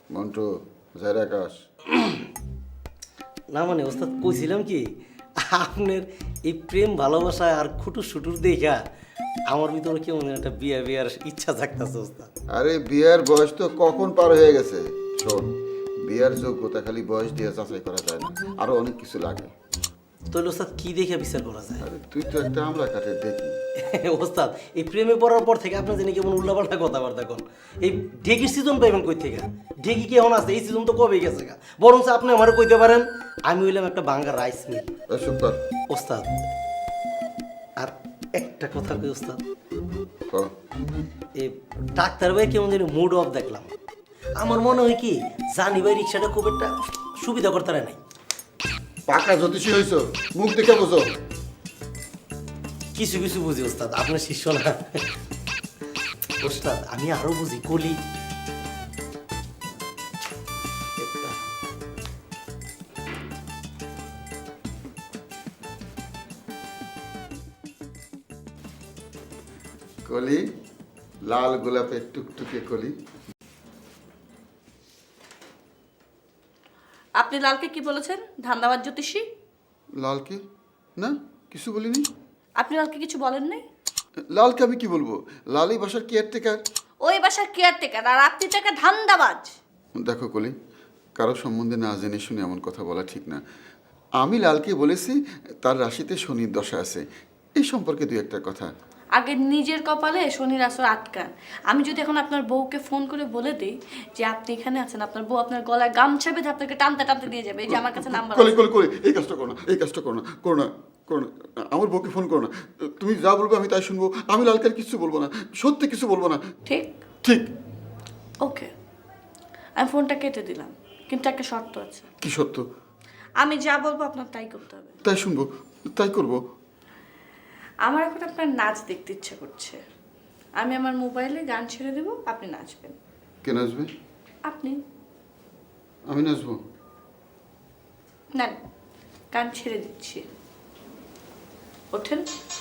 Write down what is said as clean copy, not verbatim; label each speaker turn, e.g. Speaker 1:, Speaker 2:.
Speaker 1: মন্টু যাই আকাশ
Speaker 2: না মানে ওস্তাদ কইছিলাম কি আপনার এই প্রেম ভালোবাসা আর খুটুর সুটুর দেখা আমার ভিতরে কেমন একটা বিয়ার ইচ্ছা জাগতাছে ওস্তাদ।
Speaker 1: আরে বিয়ার বয়স তো কখন পার হয়ে গেছে। শোন, বিয়ার যোগ্যতা খালি বয়স দিয়ে যাচাই করা যায় না, আরো অনেক কিছু লাগে।
Speaker 2: তাহলে ওস্তাদ কি দেখে বিচার করা যায়?
Speaker 1: আরে তুই তো একটা আমলা কাঠের দেখি।
Speaker 2: ওস্তাদ এই প্রেমে পড়ার পর থেকে আপনার জানি কেমন উল্লাপাল্টা কথাবার্তা কোন। এই ঢেকির সিজন পাইবেন কই থেকে? ঢেকি কি এখন আছে? এই সিজন তো কবে গেছে গা। বরং আপনি আমারও কইতে পারেন আমি হইলাম একটা বাঙ্গা রাইস মিল।
Speaker 1: চুপ কর।
Speaker 2: ওস্তাদ আর একটা কথা কই ওস্তাদ,
Speaker 1: ক।
Speaker 2: এই ডাক্তার ভাই কেমন জানি মুড অফ দেখলাম। আমার মনে হয় কি জানি ভাই রিক্সাটা খুব একটা সুবিধা করতে নাই।
Speaker 1: পাকা জ্যোতিষী হইছ, মুখ দেখে বোঝো।
Speaker 2: কিছু কিছু বুঝি ওস্তাদ, আপনার শিষ্য না। ওস্তাদ আমি আরো বুঝি কলি।
Speaker 1: কলি, লাল গোলাপের টুকটুকে কলি।
Speaker 3: আপনি লালকে কি বলেছেন? ধান্দাবাজ জ্যোতিষী?
Speaker 1: লাল কি? না, কিছু বলিনি।
Speaker 3: আপনি লালকে কিছু বলেন নাই?
Speaker 1: লালকে আমি কি বলবো? লালই বাসার কেয়ারটেকার।
Speaker 3: ওই বাসার কেয়ারটেকার, আর আপনি তো একটা ধান্দাবাজ।
Speaker 1: দেখো কলি, কারো সম্বন্ধে না জেনে শুনে এমন কথা বলা ঠিক না। আমি লালকে বলেছি তার রাশিতে শনির দশা আছে, এই সম্পর্কে দুই একটা কথা।
Speaker 3: আগে নিজের কপালে শনির আসর আটকান। আমি যদি এখন আপনার বউকে ফোন করে বলে দিই যে আপনি এখানে আছেন, আপনার বউ আপনার গলায় গামছা বেঁধে আপনাকে টানতে টানতে দিয়ে যাবে। এই যে আমার কাছে নাম্বার
Speaker 1: কলি কলি কলি, এই কাজটা করো না, এই কাজটা করো না, করো না, করো না। আমার বউকে ফোন করো না। তুমি যা বলবে আমি তাই শুনবো। আমি লালকে আর কিছু বলবো না, সত্যি কিছু বলবো না।
Speaker 3: ঠিক?
Speaker 1: ঠিক।
Speaker 3: ওকে, আমি ফোনটা কেটে দিলাম, কিন্তু একটা শর্ত আছে।
Speaker 1: কি সত্য?
Speaker 3: আমি যা বলবো আপনার তাই করতে হবে।
Speaker 1: তাই শুনবো, তাই করবো।
Speaker 3: আমার এখন আপনার নাচ দেখতে ইচ্ছে করছে। আমি আমার মোবাইলে গান ছেড়ে দেবো, আপনি নাচবেন।
Speaker 1: কে নাচবে?
Speaker 3: আপনি
Speaker 1: আমি নাচবো?
Speaker 3: না, গান ছেড়ে দিচ্ছি। ওঠেন।